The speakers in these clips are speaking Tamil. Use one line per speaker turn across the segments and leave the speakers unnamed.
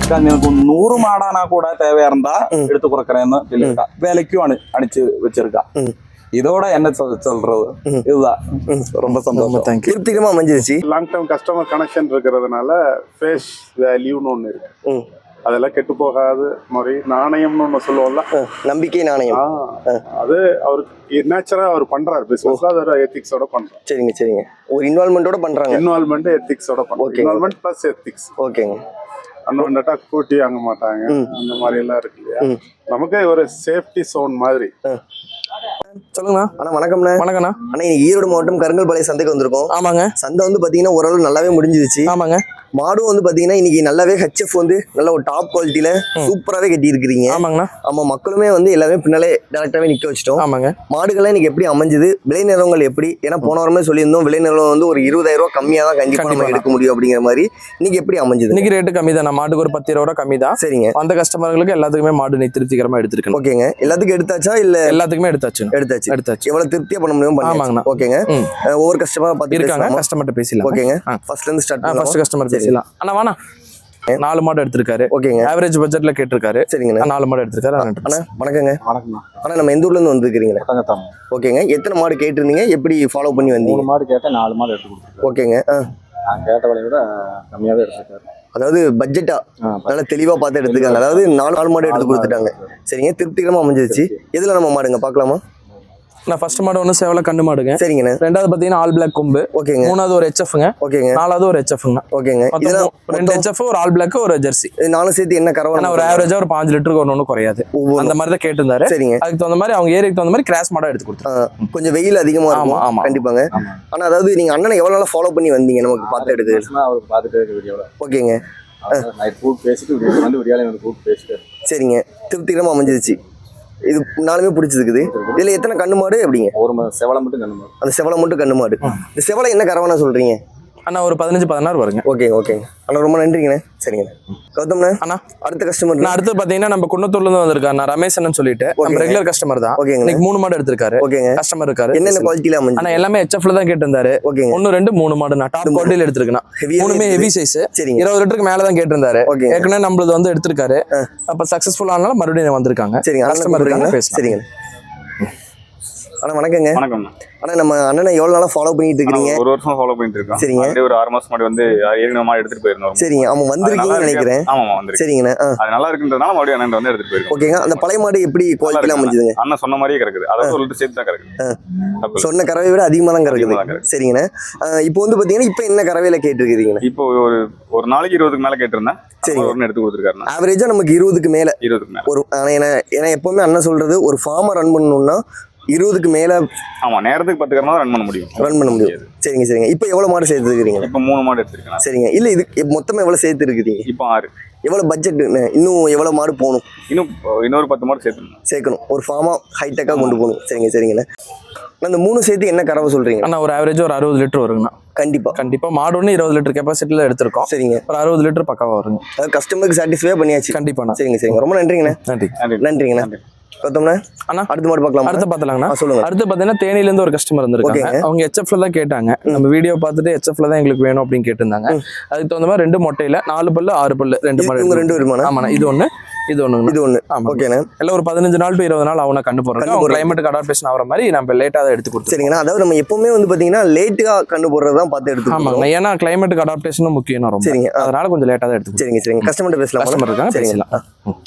எனக்கு 100 மாடானா கூட தேவையா இருந்தா எடுத்து கொடுக்கறேன்னு சொல்லியிருக்கா. வேலைக்கும் அனுப்பிச்சு வச்சிருக்கா. இதோட என்ன சொல்றது, இதுதான் ரொம்ப சந்தோஷம்.
திருப்திகரமா அமைஞ்சிருச்சு.
லாங் டேர்ம் கஸ்டமர் கனெக்ஷன் இருக்கிறதுனால ஃபேஸ் வேல்யூன்னு ஒன்று இருக்கு. அதெல்லாம் கெட்டு போகாது முறை நாணயம்னு ஒன்று சொல்லுவோம்ல,
நம்பிக்கை நாணயம்.
அது அவருக்கு நேச்சரா அவர் பண்றாரு. பிசினஸ்ல அது ஒரு எத்திக்ஸோட பண்றாரு.
சரிங்க சரிங்க. ஒரு இன்வால்மெண்டோட பண்றாங்க.
இன்வால்மெண்ட் எத்திக்ஸோட பண்றாங்க. Involvement plus ethics.
ஓகேங்க.
அண்ணா கூட்டி வாங்க மாட்டாங்க, அந்த மாதிரி எல்லாம் இருக்கு இல்லையா. நமக்கு ஒரு சேஃப்டி சோன் மாதிரி.
சொல்லுங்கண்ணா. அண்ணா வணக்கம்ண்ணா.
வணக்கண்ணா.
அண்ணா ஈரோடு மாவட்டம் கருங்கல்பாளையம் சந்தைக்கு வந்திருக்கோம்.
ஆமாங்க.
சந்தை வந்து பாத்தீங்கன்னா ஓரளவு நல்லாவே முடிஞ்சிருச்சு.
ஆமாங்க.
மாடும் வந்து பாத்தீங்கன்னா இன்னைக்கு நல்லாவே ஹெச்எஃப் வந்து நல்ல ஒரு டாப் குவாலிட்டியில சூப்பராகவே கட்டி இருக்கிறீங்க.
ஆமாங்கண்ணா.
ஆமா, மக்களுமே வந்து எல்லாமே பின்னாலே டேரக்டாவே நிக்க வச்சிட்டோம்.
ஆமாங்க.
மாடுகள்லாம் இன்னைக்கு எப்படி அமைஞ்சது, விலை நிலவங்கள் எப்படி? ஏன்னா போன வாரமே சொல்லியிருந்தோம் விலை நிலவரம் வந்து ஒரு 20,000 ரூபாய் கம்மியா தான் கண்டிப்பா நம்ம எடுக்க முடியும் அப்படிங்கிற மாதிரி. இன்னைக்கு எப்படி அமைஞ்சது?
இன்னைக்கு ரேட்டு கம்மி தான். மாட்டுக்கு ஒரு 10-20 ரூபா கம்மி தான்.
சரிங்க.
அந்த கஸ்டமர்களுக்கு எல்லாத்துக்குமே மாடு நீ திருப்திகரமா எடுத்துருக்கேன்.
ஓகேங்க. எல்லாத்துக்கும் எடுத்தாச்சா இல்ல?
எல்லாத்துக்குமே எடுத்தாச்சு.
எவ்வளவு திருப்தியா பண்ண முடியும்?
ஆமாங்கண்ணா.
ஓகேங்க. ஒவ்வொரு கஸ்டமரா பார்த்து
இருக்காங்க. கஸ்டமர்ட்ட பேசலாம்.
ஓகேங்க. ஃபர்ஸ்ட்ல இருந்து ஸ்டார்ட் பண்ணலாம்.
ஃபர்ஸ்ட் கஸ்டமர் பேசலாம். அண்ணா வாண்ணா. 4 மாடு எடுத்திருக்காரு.
ஓகேங்க.
ஆவரேஜ் பட்ஜெட்ல கேட்டிருக்காரு.
சரிங்க.
4 மாடு எடுத்திருக்காரு.
அண்ணா வணக்கங்க.
வணக்கம்.
அண்ணா நம்ம எந்த ஊர்ல இருந்து வந்திருக்கீங்களா? ஓகேங்க. எத்தனை மாடு கேட்டிருந்தீங்க, எப்படி ஃபாலோ பண்ணி வந்தீங்க?
3 மாடு கேட்டேன், 4 மாடு எடுத்து கொடுத்துருக்கேன்.
ஓகேங்க.
நான் கேட்ட விலையை விட கம்மியாவே எடுத்துருக்காரு.
அதாவது பட்ஜெட்டா நல்லா தெளிவா பார்த்து எடுத்துக்காங்க. அதாவது 4 மாடு எடுத்து கொடுத்துட்டாங்க. சரிங்க. திருப்திகரமா அமைஞ்சிருச்சு. எதுல நம்ம மாடுங்க பார்க்கலாமா?
நான் ஃபர்ஸ்ட் மாடு ஒன்று சேவல கண்ணு மாடுங்க.
சரிங்கண்ணா.
ரெண்டாவது பாத்தீங்கன்னா ஆல் பிளாக் கொம்பு.
ஓகேங்க.
மூணாவது ஒரு ஹெச்எஃப்ங்க.
ஓகேங்க.
நாலாவது ஒரு ஹெச்எஃப்ங்க.
ஓகேங்க.
இதெல்லாம் 2 ஹெச்எஃப், ஒரு ஆல் பிளாக், ஒரு ஜெர்சி.
நாலு சேர்த்து என்ன கறவை?
ஒரு ஆவரேஜா ஒரு 5 லிட்டருக்கு ஒன்று குறையாது. அந்த மாதிரி தான் கேட்டிருந்தாரு.
சரிங்க.
அதுக்கு தகுந்த மாதிரி அவங்க ஏரியாக்கு தகுந்த மாதிரி கிராஸ் மாடா எடுத்து கொடுத்தாங்க.
கொஞ்சம் வெயில் அதிகமா இருக்கும். ஆமா கண்டிப்பாங்க. ஆனா அதாவது நீங்க அண்ணனை எவ்வளவு நாளா ஃபாலோ பண்ணி வந்தீங்க நமக்கு பார்த்து எடுத்து?
அவருக்கு பார்த்துட்டு இருக்க வீடியோல.
ஓகேங்க.
நைட் கூப்பிட்டு பேசிட்டு வீடியோ வந்து விடியாலே வந்து கூப்பிட்டு பேசிட்டு.
சரிங்க. திருப்திகரமா அமைஞ்சிருச்சு. இது 4மே பிடிச்சிருக்குது. இதுல எத்தனை கண்ணு மாடு எப்படிங்க?
ஒரு செவலை மட்டும் கண்ணு மாடு.
அந்த செவலை மட்டும் கண்ணு மாடு. இந்த செவலை என்ன கறவைனா சொல்றீங்க?
அண்ணா ஒரு 15-16 வருங்க.
ஓகேங்க. அண்ணா ரொம்ப நன்றிங்கண்ணே. சரிங்க கௌதம்ண்ணா.
அண்ணா
அடுத்த கஸ்டமர்.
நான் அடுத்து பாத்தீங்கன்னா நம்ம குன்னத்தூர்ல இருந்து வந்திருக்காரு ரமேஷ் சொல்லிட்டு நம்ம ரெகுலர் கஸ்டமர் தான். இன்னைக்கு 3 மாடு எடுத்திருக்காரு. ஓகேங்க. கஸ்டமர் இருக்காரு.
என்னென்ன குவாலிட்டில அமைஞ்சு?
அண்ணா எல்லாமே ஹெச்எஃப்ல தான் கேட்டிருந்தாரு. ஓகேங்க. 1 2 3 மாடு நான் டாப் குவாலிட்டில எடுத்திருக்கேன். மூணுமே ஹெவி சைஸ். 20 லிட்டருக்கு மேல தான் கேட்டிருந்தாரு. ஏற்கனவே நம்மளது வந்து எடுத்திருக்காரு. அப்ப சக்சஸ்ஃபுல் ஆனால மறுபடியும் வந்திருக்காங்க.
சரிங்க.
கஸ்டமர் இருக்காங்க.
சரிங்க. அண்ணா வணக்கங்க.
வணக்கம்.
அண்ணா நம்ம அண்ணனை எவ்வளவு நாளா ஃபாலோ பண்ணிட்டு இருக்கீங்க?
1 வருஷமா ஃபாலோ பண்ணிட்டு இருக்கோம்.
சரிங்க.
ஒரு 6 மாசம் முன்னாடி வந்து ஏற்கனவே மாடு எடுத்துட்டு போயிருந்தோம்.
சரிங்க. ஆமா வந்திருக்கீங்கன்னு நினைக்கிறேன்.
ஆமா வந்திருக்கேன்.
சரிங்கண்ணா.
அது நல்லா இருக்குன்றதுனால மறுபடியும் அண்ணன் வந்து எடுத்துட்டு போயிருக்கோம்.
ஓகேங்க. அந்த பழைய மாடு எப்படி குவாலிட்டில அமைஞ்சதுங்க?
அண்ணன் சொன்ன மாதிரியே கிடக்குது. அதாவது ஒரு லிட்டர் சேர்த்து தான் கிடக்குது.
சொன்ன கறவை விட அதிகமா தான் கிடக்குது. சரிங்கண்ணா. இப்போ வந்து பாத்தீங்கன்னா இப்போ என்ன கறவையில கேட்டிருக்கீங்க?
இப்போ ஒரு நாளைக்கு 20க்கு மேல கேட்டிருந்தேன். சரி, ஒரு எடுத்து கொடுத்துருக்காரு.
ஆவரேஜா நமக்கு 20க்கு மேல.
20க்கு மேல
ஒரு ஏன்னா எப்பவுமே அண்ணன் சொல்றது ஒரு ஃபார்மை ரன் பண்ணணும்னா 20க்கு மேல.
ஆமா, நேரத்துக்கு 10 கறவை ரன் பண்ண முடியும்.
சரிங்க. இப்போ எவ்வளவு மாடு சேர்த்து இருக்கீங்க?
இப்போ 3 மாடு எடுத்துருக்கேன். சரிங்க.
இல்ல இது மொத்தமா எவ்வளவு சேர்த்து இருக்கீங்க?
இப்போ 6.
எவ்வளவு பட்ஜெட்? இன்னும் எவ்வளவு மாடு போகணும்?
இன்னொரு 10 மாடு சேர்க்கணும்.
ஒரு ஃபார்மா ஹைடெக்கா கொண்டு போகணும். சரிங்கண்ணா. அந்த 3 சேர்த்து என்ன கறவை சொல்றீங்க?
அண்ணா ஒரு ஆவரேஜ் ஒரு 60 லிட்டர் வருங்கண்ணா. கண்டிப்பா மாடு ஒன்று 20 லிட்டர் கெப்பாசிட்டில எடுத்திருக்கோம். சரிங்க. ஒரு 60 லிட்டர் பக்காவா வருங்க.
அது கஸ்டமருக்கு சாட்டிஸ்ஃபை பண்ணியாச்சு.
கண்டிப்பா.
சரிங்க. ரொம்ப நன்றிங்கண்ணா. நன்றிங்கண்ணா. கௌதம்ண்ணா.
அண்ணா
அடுத்த மாடு பார்க்கலாம்.
அடுத்து பார்த்தலாங்கண்ணா.
சொல்லுங்க.
அடுத்து பார்த்தீங்கன்னா தேனியில இருந்து ஒரு கஸ்டமர் இருந்திருக்காங்க. அவங்க ஹெச்எஃப்ல தான் கேட்டாங்க. நம்ம வீடியோ பார்த்துட்டு ஹெச்எஃப்ல தான் எங்களுக்கு வேணும் அப்படின்னு கேட்டிருந்தாங்க. அதுக்கு தகுந்த மாதிரி 2 மொட்டையில 4 பல்லு 6 பல்லு 2 மாடு.
2 வருமானம்.
ஆமாண்ணா. இது ஒன்று.
ஓகேண்ணா.
எல்லாம் ஒரு 15 நாள் டு 20 நாள் அவனை கண்டு போடுறோம். கிளைமேட்டுக்கு அடாப்டேஷன் ஆகிற மாதிரி நம்ம லேட்டாக தான் எடுத்து கொடுத்தோம்.
சரிங்கண்ணா. அதாவது நம்ம எப்பவுமே வந்து பாத்தீங்கன்னா லேட்டா கண்டு போடுறதான் பார்த்து எடுத்து.
ஆமாங்க. ஏன்னா கிளைமேட்டுக்கு அடாப்டேஷனும் முக்கியம் ரொம்ப.
சரிங்க.
அதனால கொஞ்சம் லேட்டாக தான் எடுத்து.
சரிங்க. கஸ்டமர் பேசலாம்.
கஸ்டமர் இருக்காங்க, பேசலாம்.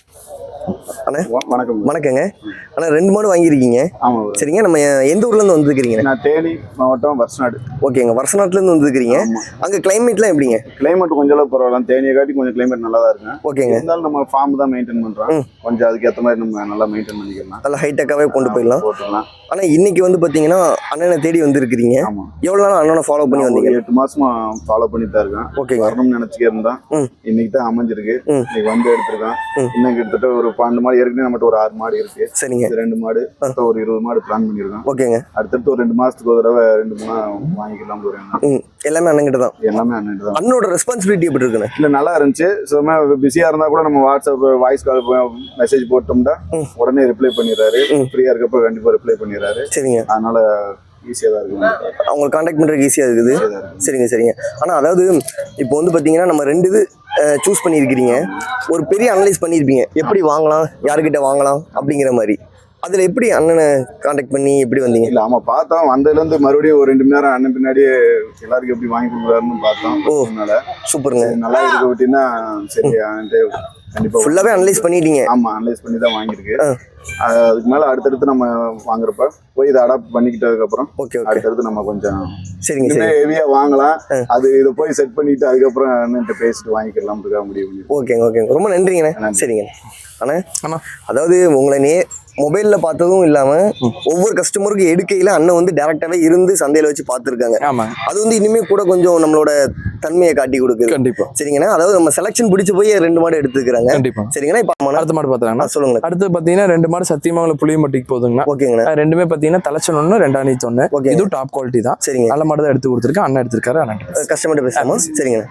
அண்ணா
வணக்கங்க. அண்ணா 2 மாடு வாங்கியிருக்கீங்க. சரிங்க. நம்ம எந்த ஊர்ல இருந்து வந்துருக்கீங்க?
நான் தேனி மாவட்டம் வருஷநாடு.
ஓகேங்க. வருஷநாட்டுல இருந்து வந்துருக்கீங்க. அங்க கிளைமேட்லாம் எப்படிங்க?
கிளைமேட் கொஞ்சம் அளவு பரவாயில்ல. தேனியை காட்டி கொஞ்சம் கிளைமேட் நல்லா தான் இருக்கு.
ஓகேங்க.
இருந்தாலும் நம்ம ஃபார்ம் தான் மெயின்டைன் பண்றோம். கொஞ்சம் அதுக்கு ஏற்ற மாதிரி நம்ம நல்லா மெயின்டைன் பண்ணிக்கலாம்.
நல்லா ஹைடெக்காவே கொண்டு போயிடலாம். ஆனா இன்னைக்கு வந்து பாத்தீங்கன்னா அண்ணனை தேடி வந்திருக்கீங்க. எவ்வளவு நாள் அண்ணனை ஃபாலோ பண்ணி வந்தீங்க?
8 மாசமா ஃபாலோ பண்ணிட்டு தான் இருக்கேன்.
ஓகேங்க.
வரணும்னு நினைச்சுக்கே இருந்தா இன்னைக்கு தான் அமைஞ்சிருக்கு. இன்னைக்கு வந்து எடுத்திருக்கேன். இன்னும் கிட்டத்தட்ட ஒரு 12 மாடு ஏற்கனவே நம்மகிட்ட ஒரு 6 மாடு இருக்கு. சரிங்க. 2 மாடு ஒரு 20 மாடு பிளான் பண்ணிருக்கோம். ஓகேங்க. அடுத்தடுத்து ஒரு 2 மாசத்துக்கு ஒரு தடவை 2-3 வாங்கிக்கலாம்.
எல்லாமே அண்ணன்கிட்ட தான்.
எல்லாமே அண்ணன்கிட்ட தான்.
அண்ணனோட ரெஸ்பான்சிபிலிட்டி எப்படி இருக்குன்னு?
இல்ல நல்லா இருந்துச்சு. சும்மா பிஸியா இருந்தா கூட நம்ம வாட்ஸ்அப் வாய்ஸ் கால் மெசேஜ் போட்டோம்னா உடனே ரிப்ளை பண்ணிடுறாரு. ஃப்ரீயா இருக்கப்ப கண்டிப்பா ரிப்ளை பண்ணிடுறாரு. சரிங்க. அதனால ஈஸியா தான் இருக்கு. அவங்களை கான்டாக்ட் பண்றதுக்கு ஈஸியா இருக்குது. சரிங்க. ஆனா அதாவது இப்போ வந்து பாத்தீங்கன்னா நம்ம 2 இது
சூஸ் பண்ணியிருக்கிறீங்க, ஒரு பெரிய அனலைஸ் பண்ணியிருப்பீங்க எப்படி வாங்கலாம், யாருக்கிட்ட வாங்கலாம் அப்படிங்கிற மாதிரி. அதில் எப்படி அண்ணனை காண்டாக்ட் பண்ணி எப்படி வந்தீங்க?
இல்ல ஆமா பார்த்தோம், வந்ததுலேருந்து மறுபடியும் ஒரு 2 மணி நேரம் அண்ணன் பின்னாடியே எல்லாருக்கும் எப்படி வாங்கி கொடுக்குறாருன்னு பார்த்தோம். அதனால
சூப்பருங்க.
நல்லா இருக்க விட்டீங்கன்னா சரி கண்டிப்பா
ஃபுல்லாவே அனலைஸ் பண்ணிட்டீங்க.
ஆமா அனலைஸ் பண்ணி தான் வாங்கியிருக்கு. அதுக்கு மேல அடுத்தடுத்து நம்ம வாங்குறப்ப போய் இதை அடாப்ட் பண்ணிக்கிட்டதுக்கு அப்புறம் அடுத்தடுத்து நம்ம கொஞ்சம்
சரிங்க
ஹெவியா வாங்கலாம். அது இதை போய் செட் பண்ணிட்டு அதுக்கப்புறம் அண்ணன்ட்ட பேசிட்டு வாங்கிக்கலாம் முடியும்.
ஓகேங்க ஓகேங்க, ரொம்ப நன்றிங்கண்ணே. சரிங்க அண்ணா, அதாவது உங்களை மொபைல்ல பார்த்ததும் இல்லாம ஒவ்வொரு கஸ்டமருக்கு எடுக்கையில அண்ணன் வந்து டைரக்டாவே இருந்து சந்தையில வச்சு பார்த்துருக்காங்க. அது வந்து இனிமே கூட கொஞ்சம் நம்மளோட தன்மையை காட்டி கொடுக்குது.
கண்டிப்பா
சரிங்கண்ணா. அதாவது நம்ம செலக்ஷன் பிடிச்சு போய் 2 மாடு எடுத்துக்கிறாங்க.
கண்டிப்பா.
சரிங்கண்ணா. இப்ப
அடுத்த மாடு பாத்துறாங்க.
சொல்லுங்க.
அடுத்து பாத்தீங்கன்னா 2 மாடு சத்தியமங்கலம் புளியம்பட்டிக்கு போகுதுங்கண்ணா.
ஓகேங்கண்ணா.
ரெண்டுமே பாத்தீங்கன்னா தலைச்சன் 1 2 1. இது டாப் குவாலிட்டி தான். சரிங்க. நல்ல மாடு தான் எடுத்து கொடுத்துருக்கேன். அண்ணன் எடுத்திருக்காரு. அண்ணன்
கஸ்டமர்கிட்ட பேசாமா? சரிங்கண்ணா.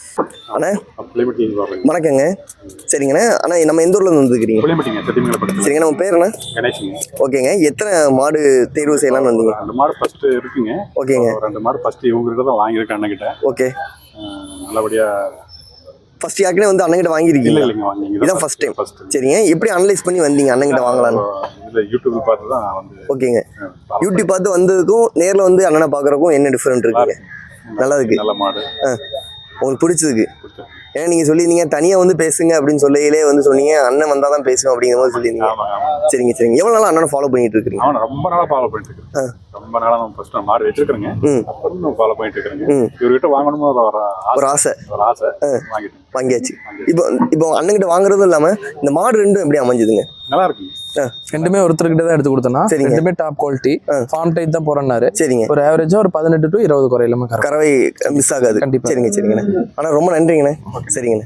அண்ணா வணக்கங்க. சரிங்கண்ணா. அண்ணா நம்ம எந்த ஊர்ல இருந்து வந்துருக்கீங்க? சரிங்க. நம்ம பேர் என்ன? ஓகேங்க. எத்தனை மாடு தேர்வு செய்யலாம்னு வந்தீங்க?
2 மாடு ஃபர்ஸ்ட் இருக்குங்க.
ஓகேங்க.
2 மாடு ஃபர்ஸ்ட் இவங்க கிட்ட தான் வாங்கியிருக்கேன் அண்ணன் கிட்ட.
ஓகே.
நல்லபடியா
ஃபர்ஸ்ட் யாருக்குனே வந்து அண்ணன் கிட்ட வாங்கியிருக்கீங்க?
இல்லைங்க வாங்கிங்க.
இதான் ஃபர்ஸ்ட் டைம். சரிங்க. எப்படி அனலைஸ் பண்ணி வந்தீங்க அண்ணன் கிட்ட வாங்கலாம்னு?
இல்ல யூடியூப்ல பார்த்து தான் வந்து.
ஓகேங்க. யூடியூப் பார்த்து வந்ததுக்கும் நேர்ல வந்து அண்ணனை பார்க்கறதுக்கும் என்ன டிஃபரெண்ட் இருக்குங்க? நல்லா இருக்கு.
நல்ல மாடு.
உங்களுக்கு பிடிச்சதுக்கு? ஏன்னா நீங்க சொல்லியிருந்தீங்க தனியா வந்து பேசுங்க அப்படின்னு சொல்லையிலே வந்து சொன்னீங்க அண்ணன் வந்தாதான் பேசுவோம் அப்படிங்கிற மாதிரி சொல்லியிருந்தீங்க. சரிங்க சரிங்க. எவ்வளவு நாளா அண்ணனை ஃபாலோ பண்ணிட்டு இருக்கீங்க?
அவனை ரொம்ப நாளா ஃபாலோ பண்ணிட்டு இருக்கேன். ரொம்ப நாளா நம்ம ஃபர்ஸ்ட் மாடு வச்சிருக்கேங்க. அப்புறம் ஃபாலோ பண்ணிட்டு இருக்கேங்க. இவர்கிட்ட வாங்கணும்னு ஒரு ஆசை வாங்கியாச்சு. இப்போ அண்ணன் கிட்ட வாங்குறதும் இல்லாம இந்த மாடு ரெண்டும் எப்படி அமைஞ்சதுங்க? நல்லா இருக்குங்க.
ரெண்டுமே ஒருத்தர்கிட்ட தான் எடுத்து கொடுத்தோம்னா ரெண்டுமே டாப் குவாலிட்டி ஃபார்ம் டைப் தான் போறேன்னாரு.
சரிங்க.
ஒரு ஆவரேஜா ஒரு 18 to 20 குறையிலாம
கறவை மிஸ் ஆகாது. கண்டிப்பா. சரிங்க சரிங்கண்ணே. ஆனா ரொம்ப நன்றிங்கண்ணே. சரிங்கண்ணே.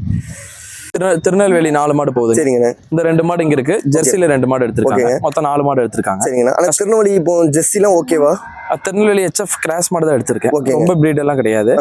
திருநெல்வேலி 4 மாடு போகுது.
சரிங்கண்ணே.
இந்த 2 மாடு இங்க இருக்கு. ஜெர்சில 2 மாடு எடுத்திருக்காங்க. மொத்தம் 4 மாடு எடுத்திருக்காங்க.
சரிங்கண்ணா. ஆனா திருநெல்வேலி இப்போ ஜெர்சிலாம் ஓகேவா?
திருநெல்வேலி HF கிராஸ் மாடு தான் எடுத்திருக்கேன். ரொம்ப பிரீட் எல்லாம் கிடையாது.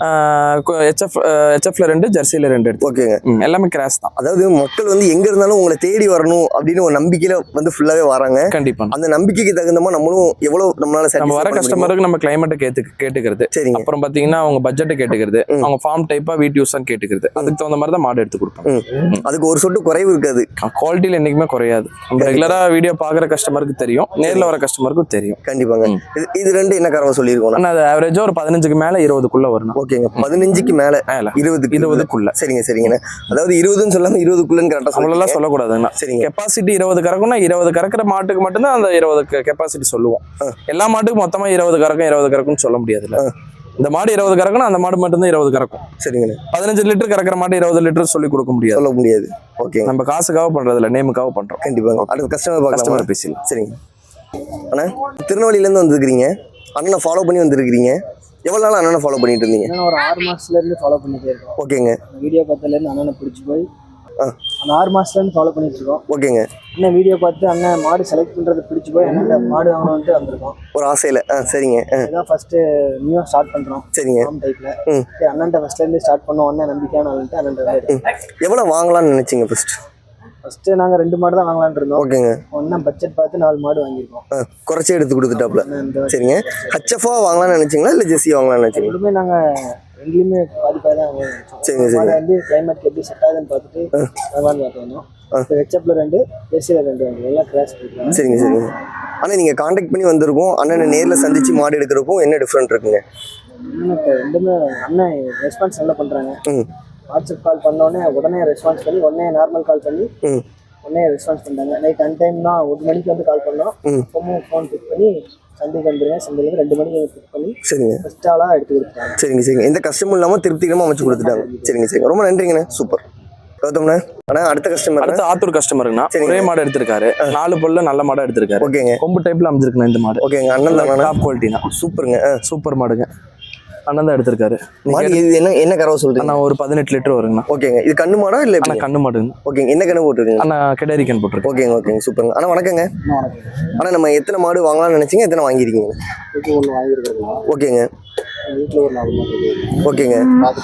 HFல 2 ஜெர்சில 2 எடுத்து.
ஓகேங்க.
எல்லாமே கிராஸ் தான்.
அதாவது மக்கள் வந்து எங்க இருந்தாலும் உங்களை தேடி வரணும் அப்படின்னு ஒரு நம்பிக்கையில வந்து ஃபுல்லாவே வராங்க.
கண்டிப்பா.
அந்த நம்பிக்கைக்கு தகுந்தமா நம்மளும் எவ்வளவு நம்மளால
நம்ம வர கஸ்டமருக்கு நம்ம கிளைமேட்டை கேட்டுக்கிறது.
சரிங்க.
அப்புறம் பாத்தீங்கன்னா அவங்க பட்ஜெட்டை கேட்டுக்கிறது, அவங்க ஃபார்ம் டைப்பா வீட்டு யூஸ் கேட்டுக்கிறது. அதுக்கு தகுந்த மாதிரி தான் மாடு எடுத்து கொடுப்போம்.
அதுக்கு ஒரு சொட்டு குறைவு இருக்காது.
குவாலிட்டியில என்னைக்குமே குறையாது. நம்ம ரெகுலரா வீடியோ பாக்குற கஸ்டமருக்கு தெரியும், நேர்ல வர கஸ்டமருக்கு தெரியும்.
கண்டிப்பாங்க. இது 2 என்ன கறவை சொல்லியிருக்கோம்?
அது ஆவரேஜா ஒரு 15க்கு மேல 20க்குள்ள வரணும்.
ஓகேங்க. 15க்கு மேல 20க்குள்ள. சரிங்க சரிங்கண்ணா. அதாவது 20ன்னு சொல்லாம 20க்குள்ளன்னு கரெக்டா
அவ்வளவு சொல்லக்கூடாதுங்கண்ணா. சரிங்க. கெப்பாசிட்டி 20 கறக்கும்னா 20 கறக்கிற மாட்டுக்கு மட்டும்தான் அந்த 20 கெப்பாசிட்டி சொல்லுவோம். எல்லா மாட்டுக்கும் மொத்தமா 20 கறக்கும்னு சொல்ல முடியாதுல்ல. இந்த மாடு 20 கறக்கணும், அந்த மாடு மட்டும் தான் 20 கறக்கும். சரிங்கண்ணா. 15 லிட்டர் கறக்கிற மாடு 20 லிட்டர் சொல்லி கொடுக்க முடியாது. ஓகே. நம்ம காசுக்காக பண்றது இல்ல, நேமுக்காக பண்றோம்.
கண்டிப்பாங்க. அடுத்த கஸ்டமர்
பேசலாம்.
சரிங்க. அண்ணா திருநெல்வேலியில இருந்து வந்திருக்கிறீங்க, அண்ணனை ஃபாலோ பண்ணி வந்திருக்கிறீங்க. எவ்வளவு நாள் அண்ணனை ஃபாலோ பண்ணிட்டு இருந்தீங்க?
ஒரு 6 மாசத்துல இருந்து ஃபாலோ பண்ணிட்டே இருக்கோம்.
ஓகேங்க.
வீடியோ பார்த்ததுல இருந்து அண்ணனை பிடிச்சி போய் அந்த 6 மாசத்துல இருந்து ஃபாலோ பண்ணிட்டு இருக்கோம்.
ஓகேங்க.
அண்ணன் வீடியோ பார்த்து அண்ணன் மாடு செலக்ட் பண்றது பிடிச்சி போய் அண்ணன் மாடு வாங்கணும்னு வந்திருக்கோம் ஒரு
ஆசையில. சரிங்க.
இதான் ஃபர்ஸ்ட் நியூவா ஸ்டார்ட் பண்றோம். சரிங்க. ஃபார்ம் டைப்ல அண்ணன்ட்ட ஃபர்ஸ்ட்ல இருந்து ஸ்டார்ட் பண்ணோம். அண்ணன் நம்பிக்கையான ஆளுன்ட்டு அண்ணன்.
எவ்வளவு வாங்கலாம்னு நினைச்சீங்க
ஃபர்ஸ்ட் நாங்க 2 மாடு தான் வாங்கலாம்னு இருந்தோம்.
ஓகேங்க.
ஒண்ணா பட்ஜெட் பார்த்து 4 மாடு வாங்கியிருக்கோம்.
குறைச்சி எடுத்து கொடுத்துட்டாப்ல. சரிங்க. ஹச்எஃப்ஆ வாங்கலாம்னு நினைச்சீங்களா இல்ல ஜெர்சி வாங்கலாம்னு நினைச்சீங்க?
ரெண்டுமே நாங்க ரெண்டுலயுமே பாதிப்பாக தான் வாங்கிச்சோம். சரிங்க சரி. வந்து கிளைமேட் எப்படி செட் ஆகுதுன்னு பார்த்துட்டு வாங்கலாம்னு பார்த்து வந்தோம். இப்போ ஹெச்எஃப்ல 2, ஜெர்சில 2 வாங்கி எல்லாம் கிராஸ் பண்ணிக்கலாம்.
சரிங்க சரிங்க. ஆனால் நீங்கள் காண்டாக்ட் பண்ணி வந்திருக்கோம், அண்ணனை நேரில் சந்திச்சு மாடு எடுக்கிறக்கும் என்ன டிஃப்ரெண்ட் இருக்குங்க?
இப்போ ரெண்டுமே அண்ணன் ரெஸ்பான்ஸ் நல்லா பண்ணுறாங்க. வாட்ஸ்அப் கால் பண்ணோடனே உடனே ரெஸ்பான்ஸ் பண்ணி உடனே நார்மல் கால் பண்ணி உடனே ரெஸ்பான்ஸ் பண்ணுறாங்க. நைட் 10 டைம் தான் 1 மணிக்கு வந்து கால் பண்ணோம். இப்போவும் ஃபோன் பிக் பண்ணி சந்தைக்கு வந்துருங்க, சந்தையிலேருந்து 2 மணிக்கு பிக் பண்ணி
சரிங்க
ஃபஸ்ட் ஆளாக எடுத்து கொடுத்துட்டாங்க.
சரிங்க சரிங்க. எந்த கஷ்டமும் இல்லாமல் திருப்திகரமாக அமைச்சு கொடுத்துட்டாங்க. சரிங்க சரிங்க. ரொம்ப நன்றிங்கண்ணே. சூப்பர். கௌதம்ண்ணே. ஆனால் அடுத்த கஸ்டமர்
அடுத்த ஆத்தூர் கஸ்டமருங்கண்ணா. ஒரே மாடு எடுத்திருக்காரு. 4 பல்ல நல்ல மாடா எடுத்திருக்காரு.
ஓகேங்க.
கொம்பு டைப்ல அமைஞ்சிருக்குண்ணா இந்த மாடு.
ஓகேங்க. அண்ணன் தான்
டாப் குவாலிட்டினா.
சூப்பருங்க.
சூப்பர் மாடுங்க. அண்ணன் தான் எடுத்திருக்காரு.
மாடு இது என்ன கறவை சொல்றீங்க?
அண்ணா ஒரு 18 லிட்டர் வருங்கண்ணா.
ஓகேங்க. இது கண்ணு மாடா இல்ல?
அண்ணா கண்ணு மாடுங்க.
ஓகேங்க. என்ன கண்ணு போட்டுருக்கீங்க?
அண்ணா கிடாரி கண் போட்டுருக்கு.
ஓகேங்க ஓகேங்க. சூப்பருங்க. அண்ணா வணக்கங்க. அண்ணா நம்ம எத்தனை மாடு வாங்கலாம்னு நினைச்சீங்க, எத்தனை வாங்கியிருக்கீங்க?
ஒன்று வாங்கியிருக்கோம்.
ஓகேங்க.
வீட்டில் ஒரு 4 மாடு.
ஓகேங்க.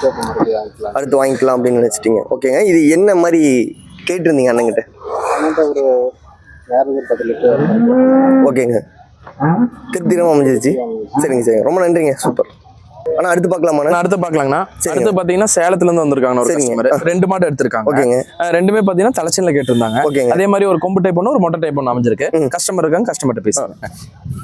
அடுத்து வாங்கிக்கலாம் அப்படின்னு நினைச்சிட்டீங்க. ஓகேங்க. இது என்ன மாதிரி கேட்டிருந்தீங்க அண்ணங்கிட்ட?
அண்ணன்ட்ட ஒரு வேற ஒரு 10 லிட்டர்.
ஓகேங்க. திருப்திகரமாக அமைஞ்சிருச்சு. சரிங்க சரிங்க. ரொம்ப நன்றிங்க. சூப்பர். ஆனா அடுத்து பார்க்கலாமா?
அடுத்து பார்க்கலாங்கண்ணா. அடுத்து பாத்தீங்கன்னா சேலத்துல இருந்து வந்திருக்காங்க ஒரு
சரிங்க.
கஸ்டமர். 2 மாடு எடுத்திருக்காங்க.
ஓகேங்க.
ரெண்டுமே பாத்தீங்கன்னா தலைச்சன்ல கேட்டிருந்தாங்க.
ஓகேங்க.
அதே மாதிரி ஒரு கொம்பு டைப் ஒன்று, ஒரு மொட்டை டைப் ஒன்று அமைஞ்சிருக்கு. கஸ்டமர் இருக்காங்க, கஸ்டமர்கிட்ட பேசுறாங்க.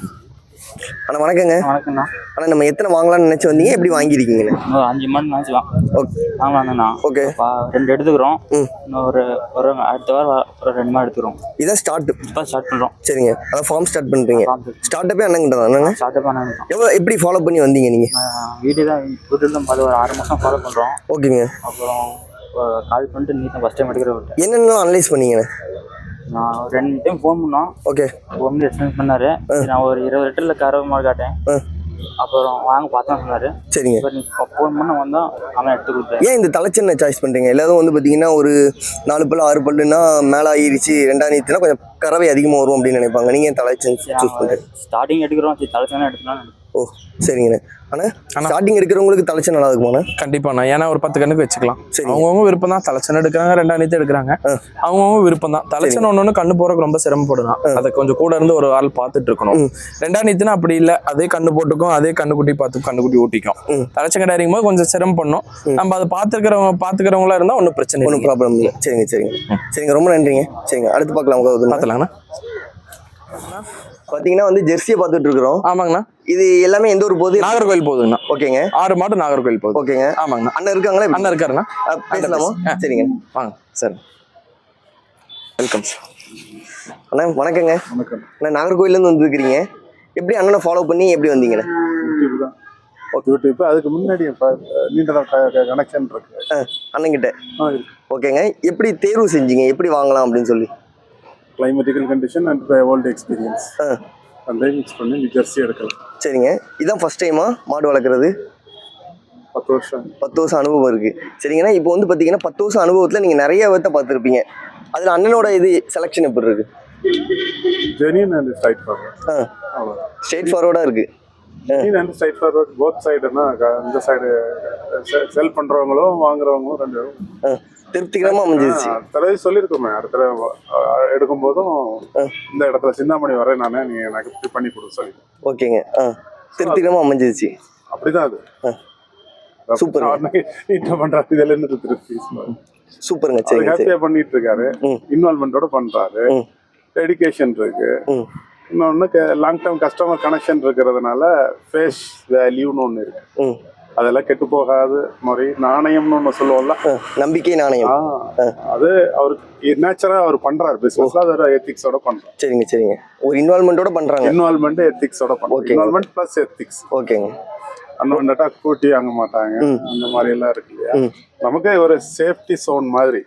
அண்ணா வணக்கங்க.
வணக்கம்ண்ணா.
அண்ணா நம்ம எத்தனை வாங்கலாம்னு நினைச்சு வந்தீங்க, எப்படி வாங்கியிருக்கீங்கண்ணே?
இன்னும் 5 மாடு நினச்சிக்கலாம்.
ஓகே.
ஆமாண்ணா.
ஓகே.
2 எடுத்துக்கிறோம். இன்னும் ஒரு அடுத்த வாரம் ஒரு 2 மாடு எடுத்துக்கிறோம்.
இதான் ஸ்டார்ட்.
இப்போ ஸ்டார்ட் பண்ணுறோம்.
சரிங்க. அதான் ஃபார்ம் ஸ்டார்ட் பண்ணுறீங்க. ஸ்டார்ட் அண்ணங்கிட்ட தானே?
ஸ்டார்ட் பண்ண
எவ்வளோ எப்படி ஃபாலோ பண்ணி வந்தீங்க நீங்கள்?
வீடு தான் புதுல ஒரு 6 மாதம் ஃபாலோ பண்ணுறோம்.
ஓகேங்க.
அப்புறம் கால் பண்ணிட்டு நீ தான் ஃபஸ்ட் டைம் எடுக்கிற விட்டேன்.
என்னென்னலாம் அனலைஸ் பண்ணீங்கண்ணே?
நான் 2 டைம் ஃபோன் பண்ணோம்.
ஓகே.
ஃபோன் பண்ணி எக்ஸ்பிளைன் பண்ணாரு. நான் ஒரு 20 லிட்டரில் கறவை மாடு காட்டேன். அப்புறம் வாங்க பார்த்தா சொன்னாரு.
சரிங்க.
இப்போ நீ ஃபோன் பண்ண வந்தோம், அவன் எடுத்து கொடுத்தேன்.
ஏன் இந்த தலைச்சென்னை சாய்ஸ் பண்ணுறீங்க? எல்லாரும் வந்து பார்த்தீங்கன்னா ஒரு 4 பல்லு 6 பல்லுன்னா மேலே ஆகிருச்சு, 2ஆம் நீத்துனா கொஞ்சம் கறவை அதிகமாக வரும் அப்படின்னு நினைப்பாங்க. நீங்கள் ஏன் தலைச்சென் சூஸ் பண்ணுறீங்க?
ஸ்டார்டிங் எடுக்கிறோம், சரி தலைச்சேன்னா எடுத்துக்கலாம்.
ஓ சரிங்கண்ணே. ஆனால் ஸ்டார்டிங் எடுக்கிறவங்களுக்கு தலைச்சன் நல்லா இருக்குமாண்ணா?
கண்டிப்பாண்ணா. ஏன்னா ஒரு 10 கண்ணுக்கு வச்சுக்கலாம்.
சரி.
அவங்கவுங்க விருப்பம் தான். தலைச்சன் எடுக்கிறாங்க, 2ஆம் நீத்து எடுக்கிறாங்க. அவங்கவுங்க விருப்பம் தான். தலைச்சன் ஒன்று கண்ணு போறதுக்கு ரொம்ப சிரமப்படலாம். அதை கொஞ்சம் கூட இருந்து ஒரு ஆள் பார்த்துட்டு இருக்கணும். 2ஆம் நீத்துனா அப்படி இல்லை, அதே கண்ணு போட்டுக்கும், அதே கண்ணுக்குட்டி பார்த்து கண்ணுக்குட்டி ஊட்டிக்கும். தலைச்சன் கடை இறங்கும் போது கொஞ்சம் சிரமம் பண்ணும். நம்ம அதை பார்த்துக்கிறவங்களா இருந்தால் ஒன்றும் பிரச்சனை இல்லை.
ஒன்றும் ப்ராப்ளம் இல்லை. சரிங்க சரிங்க சரிங்க, ரொம்ப நன்றிங்க. சரிங்க, அடுத்து பார்க்கலாம்.
பார்த்துலாங்கண்ணா.
பார்த்தீங்கன்னா வந்து ஜெர்சியை பார்த்துட்டு இருக்கிறோம்.
ஆமாங்கண்ணா.
இது எல்லாமே எந்த ஒரு போகுது?
நாகர்கோவில் போகுதுங்கண்ணா.
ஓகேங்க.
6 மாடு நாகர்கோவில் போகுது.
ஓகேங்க.
ஆமாங்கண்ணா.
அண்ணன் இருக்காங்களா?
அண்ணன் இருக்காருண்ணா.
பேசலாமா? சரிங்க
வாங்க சார். Welcome sir.
அண்ணா வணக்கங்க.
வணக்கம்.
அண்ணா நாகர்கோவிலேருந்து வந்துருக்கிறீங்க. எப்படி அண்ணனை ஃபாலோ பண்ணி எப்படி வந்தீங்கண்ணே?
யூடியூப் தான். யூடியூப். அதுக்கு முன்னாடி நீண்ட கனெக்ஷன் இருக்கு
அண்ணங்கிட்ட. ஓகேங்க. எப்படி தேர்வு செஞ்சீங்க, எப்படி வாங்கலாம் அப்படின்னு சொல்லி?
Climatical condition and old experience அந்த மிக்ஸ் பண்ணி நீ ஜெர்சி எடுக்கலாம்.
சரிங்க. இதான் ஃபர்ஸ்ட் டைமா மாடு வளர்க்குறது?
10 வருஷம்.
10 வருஷம் அனுபவம் இருக்கு. சரிங்கண்ணா. இப்போ வந்து பார்த்தீங்கன்னா 10 வருஷம் அனுபவத்தில் நீங்கள் நிறைய விதத்தை பார்த்துருப்பீங்க. அதில் அண்ணனோட இது செலெக்ஷன் எப்படி இருக்கு?
Genuine and straightforward.
ஸ்ட்ரெயிட் ஃபார்வர்டாக இருக்கு.
ஜெனியன் அண்ட் ஸ்ட்ரைட் ஃபார்வர்ட் போத் சைடுனா இந்த சைடு செல் பண்ணுறவங்களும் வாங்குறவங்களும் 2 பேரும்
திருப்திகரமாக அமைஞ்சிருச்சு.
தடவை சொல்லியிருக்கோமே, அடுத்த தடவை எடுக்கும் போதும் இந்த இடத்துல சிந்தாமணி வரேன் நானே, நீ எனக்கு இப்படி பண்ணி கொடு சொல்லி.
ஓகேங்க. திருப்திகரமாக அமைஞ்சிருச்சு.
அப்படிதான் அது.
சூப்பர்.
நீட்டா பண்றாரு. இதுல என்ன திருப்தி?
சூப்பருங்க. சரி,
ஹாப்பியா பண்ணிட்டு இருக்காரு. இன்வால்மெண்டோட பண்றாரு. டெடிகேஷன் இருக்கு. இன்னொன்னு லாங் டேர்ம் கஸ்டமர் கனெக்ஷன் இருக்கிறதுனால ஃபேஸ் வேல்யூன்னு ஒன்று இருக்கு. அதெல்லாம் கெட்டு போகாது முறை. நாணயம்னு ஒன்று சொல்லுவோம்ல,
நம்பிக்கை நாணயம்.
அது அவருக்கு நேச்சரா அவர் பண்றாரு. பிசினஸ்ல அது ஒரு எத்திக்ஸோட பண்றாரு.
சரிங்க சரிங்க. ஒரு இன்வால்மெண்டோட பண்றாங்க.
இன்வால்மெண்ட் எத்திக்ஸோட பண்றாங்க. Involvement plus ethics.
ஓகேங்க.
அண்ணா கூட்டி வாங்க மாட்டாங்க, அந்த மாதிரி எல்லாம் இருக்கு இல்லையா. நமக்கு ஒரு சேஃப்டி சோன் மாதிரி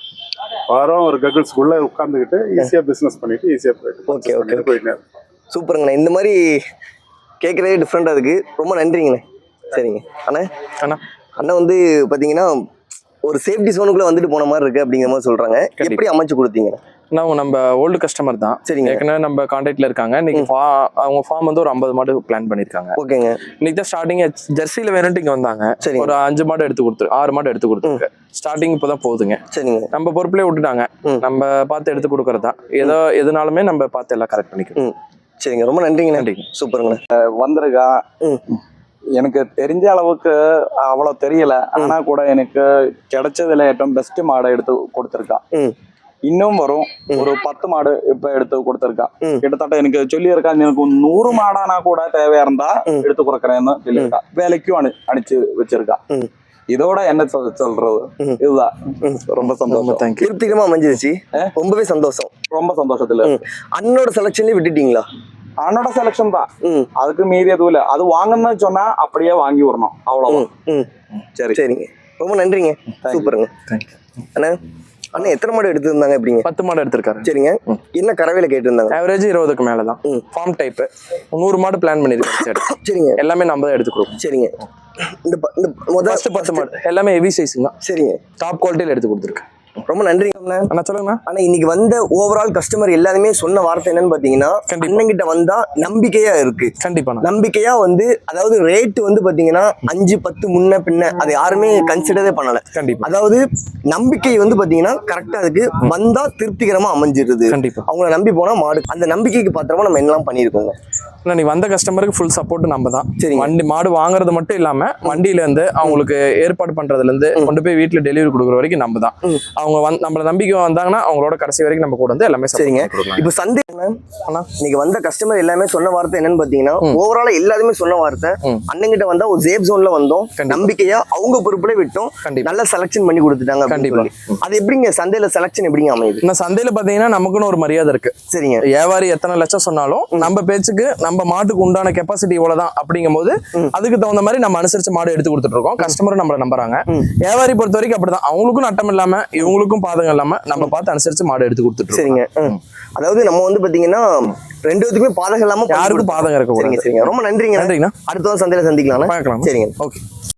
வாரம் ஒரு ககிள்ஸ்குள்ள உட்காந்துக்கிட்டு ஈஸியா பிசினஸ் பண்ணிட்டு ஈஸியா போயிட்டு போயிட்டு.
சூப்பருங்கண்ணா. இந்த மாதிரி கேட்கறதே டிஃப்ரெண்டா இருக்கு. ரொம்ப நன்றிங்கண்ணே. சரிங்க அண்ணா. அண்ணா வந்து பார்த்தீங்கன்னா ஒரு சேஃப்டி சோனுக்குள்ள வந்துட்டு போன மாதிரி இருக்கு அப்படிங்கிற மாதிரி சொல்றாங்க. எப்படி அமைச்சு கொடுத்தீங்க?
நம்ம ஓல்டு கஸ்டமர் தான்.
சரிங்க.
ஏற்கனவே நம்ம கான்டாக்ட்ல இருக்காங்க. இன்னைக்கு அவங்க ஃபார்ம் வந்து ஒரு 50 மாடு பிளான் பண்ணிருக்காங்க.
ஓகேங்க.
இன்னைக்கு தான் ஸ்டார்டிங் ஜெர்சியில வேணும்ட்டு இங்க வந்தாங்க. ஒரு 5 மாடு எடுத்து கொடுத்து 6 மாடு எடுத்து கொடுத்துருக்கு. ஸ்டார்டிங் இப்பதான் போகுதுங்க.
சரிங்க.
நம்ம பொறுப்புலேயே விட்டுட்டாங்க. நம்ம பார்த்து எடுத்து கொடுக்கறதா. ஏதோ எதுனாலுமே நம்ம பார்த்து எல்லாம் கரெக்ட் பண்ணிக்கணும்.
சரிங்க, ரொம்ப நன்றிங்க. நன்றி. சூப்பருங்கண்ணா.
வந்திருக்கா. எனக்கு தெரிஞ்ச அளவுக்கு அவ்வளோ தெரியல. ஆனா கூட எனக்கு கிடைச்சதுல ஏற்றம் பெஸ்ட் மாடை எடுத்து கொடுத்துருக்கா. இன்னும் வரும் ஒரு 10 மாடு இப்ப எடுத்து கொடுத்துருக்கா. கிட்டத்தட்ட எனக்கு சொல்லியிருக்கா, எனக்கு 100 மாடானா கூட தேவையா இருந்தா எடுத்து கொடுக்குறேன்னு சொல்லியிருக்கா. வேலைக்கும் அனுப்பிச்சு வச்சிருக்கா. இதோட என்ன சொல்றது, இதுதான். ரொம்ப சந்தோஷம்.
திருப்திகரமா அமைஞ்சிருச்சு. ரொம்பவே சந்தோஷம்.
ரொம்ப சந்தோஷத்துல.
அண்ணனோட செலக்ஷன்லயே விட்டுட்டீங்களா?
அண்ணோட செலக்ஷன் தான். அதுக்கு மீறி எதுவும் இல்லை. அது வாங்கணும்னு சொன்னா அப்படியே வாங்கி வரணும், அவ்வளவுதான்.
சரி சரிங்க, ரொம்ப நன்றிங்க. சூப்பருங்க. அண்ணா அண்ணா எத்தனை மாடு எடுத்துருந்தாங்க? எப்படிங்க?
10 மாடு எடுத்திருக்காரு.
சரிங்க. என்ன கறவையில கேட்டிருந்தாங்க?
ஆவரேஜ் 20க்கு மேலதான். ஃபார்ம் டைப் 100 மாடு பிளான் பண்ணிருக்காரு. சரிங்க. எல்லாமே நம்ம தான் எடுத்து கொடுப்போம்.
சரிங்க. இந்த முதல்
10 மாடு எல்லாமே ஹெவி சைஸுங்க.
சரிங்க.
டாப் குவாலிட்டியில எடுத்து கொடுத்துருக்கேன்.
ரொம்ப நன்றிங்கண்ணா.
அண்ணா சொல்லுங்கண்ணா.
ஆனா இன்னைக்கு வந்த ஓவரால் கஸ்டமர் எல்லாருமே சொன்ன வார்த்தை என்னன்னு பாத்தீங்கன்னா,
கண்டிப்பா.
அண்ணன்கிட்ட வந்தா நம்பிக்கையா இருக்கு.
கண்டிப்பா
நம்பிக்கையா வந்து அதாவது ரேட் வந்து பாத்தீங்கன்னா 5-10 முன்ன பின்ன அது யாருமே கன்சிடரே பண்ணல.
கண்டிப்பா.
அதாவது நம்பிக்கை வந்து பாத்தீங்கன்னா கரெக்டா இருக்கு. வந்தா திருப்திகரமா அமைஞ்சிருது.
கண்டிப்பா.
அவங்கள நம்பி போனா மாடு அந்த நம்பிக்கைக்கு பாத்திரமா நம்ம என்னெல்லாம் பண்ணிருக்கோங்க.
அண்ணா, நீ வந்த கஸ்டமருக்கு ஃபுல் சப்போர்ட் நம்ம தான்.
சரிங்க.
வண்டி மாடு வாங்குறது மட்டும் இல்லாம வண்டியில இருந்து அவங்களுக்கு ஏற்பாடு பண்றதுல இருந்து கொண்டு போய் வீட்டுல டெலிவரி கொடுக்குற வரைக்கும் நம்ம தான். அவங்க நம்மள நம்பிக்கை வந்தாங்கன்னா அவங்களோட கடைசி வரைக்கும் நம்ம கூட வந்து எல்லாமே
சரிங்க.
கொடுக்கலாம்.
இப்போ சந்தை
அண்ணா
இன்னைக்கு வந்த கஸ்டமர் எல்லாமே சொன்ன வார்த்தை என்னன்னு பாத்தீங்கன்னா, ஓவராலா எல்லாருமே சொன்ன வார்த்தை அண்ணன்கிட்ட வந்தா ஒரு சேஃப் ஜோன்ல வந்தோம், நம்பிக்கையா அவங்க பொறுப்புல விட்டோம்,
கண்டிப்பா.
நல்ல செலக்ஷன் பண்ணி கொடுத்துட்டாங்க.
கண்டிப்பா.
அது எப்படிங்க சந்தையில செலக்ஷன் எப்படிங்க அமையுது?
இன்னும் சந்தையில பாத்தீங்கன்னா நமக்குன்னு ஒரு மரியாதை இருக்கு.
சரிங்க.
வியாபாரி எத்தனை லட்சம் சொன்னாலும் நம்ம பேச்சுக்கு நம்ம மாட்டுக்கு உண்டான கெப்பாசிட்டி இவ்வளவுதான் அப்படிங்கும் போது அதுக்கு தகுந்த மாதிரி நம்ம அனுசரிச்சு மாடு எடுத்து கொடுத்துட்டு இருக்கோம். கஸ்டமரும் நம்மள நம்புறாங்க. வியாபாரி பொறுத்த வரைக்கும் அப்படிதான். அவங்களுக்கும் நட்டம் இல்லாம இவங்களுக்கும் பாதகம் இல்லாம நம்ம பார்த்து அனுசரிச்சு மாடு எடுத்து கொடுத்துட்டு இருக்கோம்.
சரிங்க. அதாவது நம்ம வந்து பாத்தீங்கன்னா ரெண்டு பேத்துக்குமே பாதகம் இல்லாம
யாருக்கும் பாதகம் இருக்க
சரிங்க. ரொம்ப நன்றிங்க.
நன்றிங்கண்ணா.
அடுத்த சந்தையில சந்திக்கலாம்.
பார்க்கலாம்.
சரிங்க.
ஓகே.